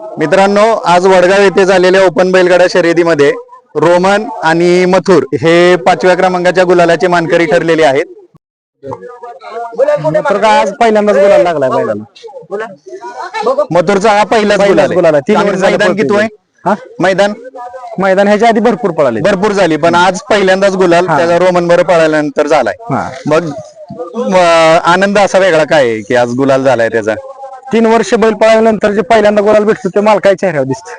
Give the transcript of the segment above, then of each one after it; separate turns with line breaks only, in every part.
मित्रांनो, आज वडगाव येथे झालेल्या ओपन बैलगाडा शर्यतीमध्ये रोमन आणि मथुर हे 5व्या क्रमांकाच्या गुलालाचे मानकरी ठरलेले आहेत.
तर आज पहिल्यांदाच गुलाल लागलाय बैलाला.
मथुरचा हा पहिलाच गुलाल आहे.
तीन
मैदान किती आहे? मैदान
मैदान ह्याच्या आधी भरपूर पळाले.
भरपूर झाली, पण आज पहिल्यांदाच गुलाल त्याचा रोमन बरोबर पळाल्यानंतर झालाय. मग आनंद असा वेगळा काय आहे की आज गुलाल झालाय त्याचा?
3 वर्ष बैल पळाल्यानंतर जे पहिल्यांदा गुलाल भेटतो ते मालकाच्या चेहऱ्यावर दिसत.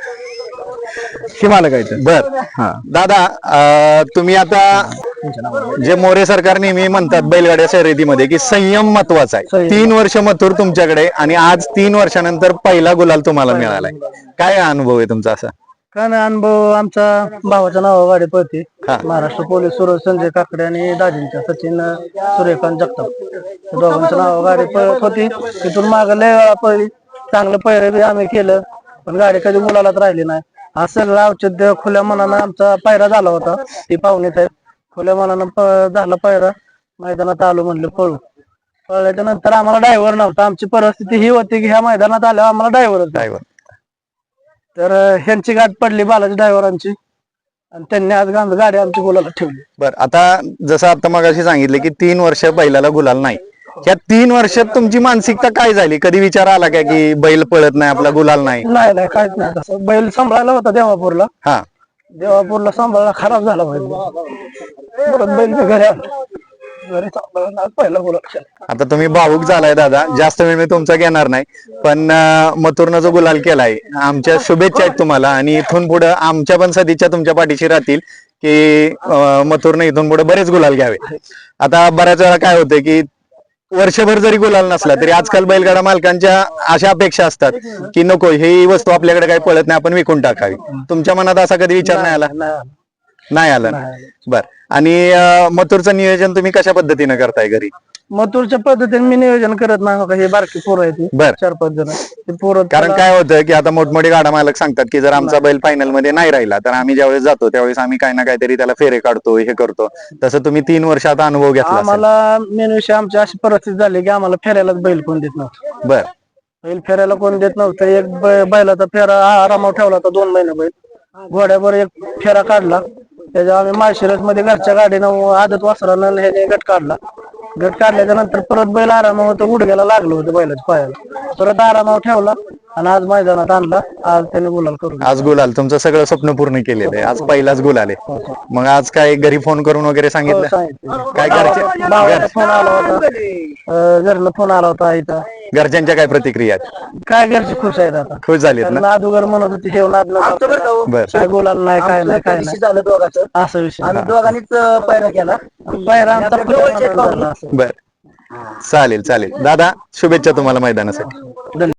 हे मालकायचं.
बर दादा, तुम्ही आता जे मोरे सरकार नेहमी म्हणतात बैलगाड्या शर्यतीमध्ये की संयम महत्वाचा आहे. 3 वर्ष मथुर तुमच्याकडे आणि आज 3 वर्षानंतर पहिला गुलाल तुम्हाला मिळालाय. काय अनुभव आहे तुमचा असा?
काय नाही अनुभव, आमच्या भावाच्या नावावर गाडी पळते. महाराष्ट्र पोलीस सूरज संजय काकडे आणि दाजींच्या सचिन सूर्यकांत जगताप दोघांच्या नावावर गाडी पळत होती. तिथून मागे लय वेळा पळली, चांगलं पैर आम्ही केलं, पण गाडी कधी मुलालाच राहिली नाही. हा सगळं औचित्य खुल्या मनानं आमचा पायरा झाला होता. ती पाहुणेत आहेत, खुल्या मनानं झाला पायरा. मैदानात आलो म्हणलं पळू. पळल्याच्या नंतर आम्हाला ड्रायव्हर नव्हता. आमची परिस्थिती ही होती की ह्या मैदानात आल्यावर आम्हाला ड्रायव्हर. तर ह्यांची गाठ पडली बालाजी ड्रायव्हरांची आणि त्यांनी आज गाडी आमची गुलाला ठेवली.
बर, आता जसं आता मगाशी सांगितलं की 3 वर्ष बैलाला गुलाल नाही. या 3 वर्षात तुमची मानसिकता काय झाली? कधी विचार आला का की बैल पळत नाही, आपला गुलाल नाही?
नाही, काहीच नाही. तसं बैल सांभाळायला होता देवापूरला. देवापूरला सांभाळला, खराब झाला बैल. परत बैल घरी आला, घरी सांभाळला, पहिला गुलाल.
आता तुम्ही भावुक झालाय दादा, जास्त वेळ मी तुमचा घेणार नाही, पण मथुरनं जो गुलाल केलाय, आमच्या शुभेच्छा आहेत तुम्हाला. आणि इथून पुढे आमच्या पण सदिच्छा तुमच्या पाठीशी राहतील की मथुरनं इथून पुढे बरेच गुलाल घ्यावे. आता बऱ्याच वेळा काय होतं की वर्षभर जरी गुलाल नसला तरी आजकाल बैलगाडा मालकांच्या अशा अपेक्षा असतात की नको, ही वस्तू आपल्याकडे काही पळत नाही, आपण विकून टाकावी. तुमच्या मनात असा कधी विचार नाही आला? नाही आला. बर, आणि मथुरचं नियोजन तुम्ही कशा पद्धतीने करताय घरी?
मथुरच्या पद्धतीने मी नियोजन करत नाही. हे बारकी पोरं आहेत,
बर,
4-5 जण ते पोरं.
कारण काय होतं की आता मोठमोठे गाडा मालक सांगतात की जर आमचा बैल फायनल मध्ये नाही राहिला तर आम्ही ज्यावेळेस जातो त्यावेळेस आम्ही काही ना काहीतरी त्याला फेरे काढतो, हे करतो. तसं तुम्ही 3 वर्षात अनुभव घेतला.
आम्हाला मेन विषय आमची अशी परिस्थिती झाली की आम्हाला फेऱ्यालाच बैल कोण देत नव्हतं.
बर,
बैल फेऱ्याला कोण देत नव्हतं. एक बैलाचा फेरा आरामावर ठेवला होता 2 महिने. बैल घोड्यावर एक फेरा काढला, त्याच्या आम्ही माळशिरस मध्ये घरच्या गाडीनं आदत वासरानं ह्याने गट काढला. गट काढल्याच्या नंतर परत बैल आरामावर गुडघ्याला लागलो होतं बैलाच्या पायाला. परत आरामावर ठेवला आणि आज मैदानात आणला. आज त्याने गुलाल करून.
आज गुलाल, तुमचं सगळं स्वप्न पूर्ण केलेलं आहे. आज पहिलाच गुलाल आहे. मग आज काय घरी फोन करून वगैरे सांगितलं? काय
घरचे फोन आला होता, घरला फोन आला होता. इथं
घरच्यांच्या काय प्रतिक्रिया आहेत?
काय घरचे खुश आहेत आता.
खुश झालीत ना?
नादुगर म्हणत होती हे
बर,
काय गुलाल नाही, काय नाही, काय नाही झालं दोघांचं. असं विषय आम्ही दोघांनीच पायरा केला. पायरा आमचा.
बर, चालेल दादा, शुभेच्छा तुम्हाला मैदानासाठी.